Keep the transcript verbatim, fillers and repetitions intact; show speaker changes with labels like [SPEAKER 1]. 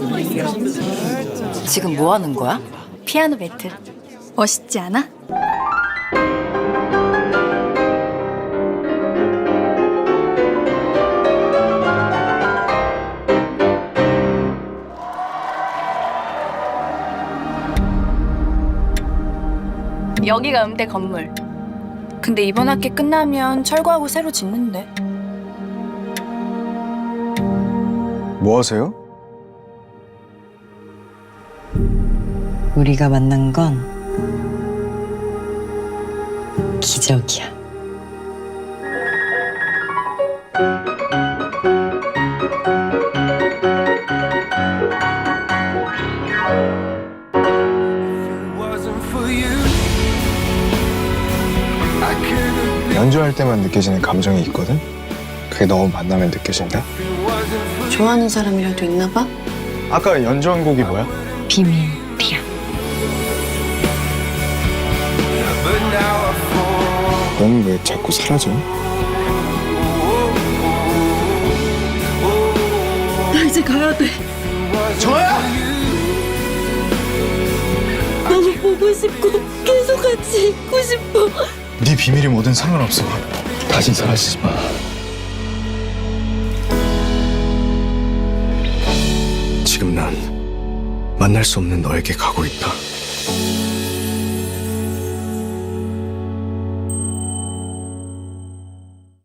[SPEAKER 1] 지금 뭐 하는 거야? 피아노 배틀.
[SPEAKER 2] 멋있지 않아?
[SPEAKER 1] 여기가 음대 건물. 근데 이번 학기 끝나면 철거하고 새로 짓는데.
[SPEAKER 3] 뭐 하세요?
[SPEAKER 4] 우리가 만난 건 기적이야.
[SPEAKER 3] 연주할 때만 느껴지는 감정이 있거든? 그게 너무 만나면 느껴진다?
[SPEAKER 5] 좋아하는 사람이라도 있나 봐?
[SPEAKER 3] 아까 연주한 곡이 뭐야?
[SPEAKER 4] 비밀이야.
[SPEAKER 3] 넌 왜 자꾸 사라져?
[SPEAKER 5] 나 이제 가야 돼.
[SPEAKER 3] 저야!
[SPEAKER 5] 너무 보고 싶고 계속 같이 있고 싶어.
[SPEAKER 3] 네 비밀이 뭐든 상관없어. 다시 사라지지 마. 지금 난 만날 수 없는 너에게 가고 있다.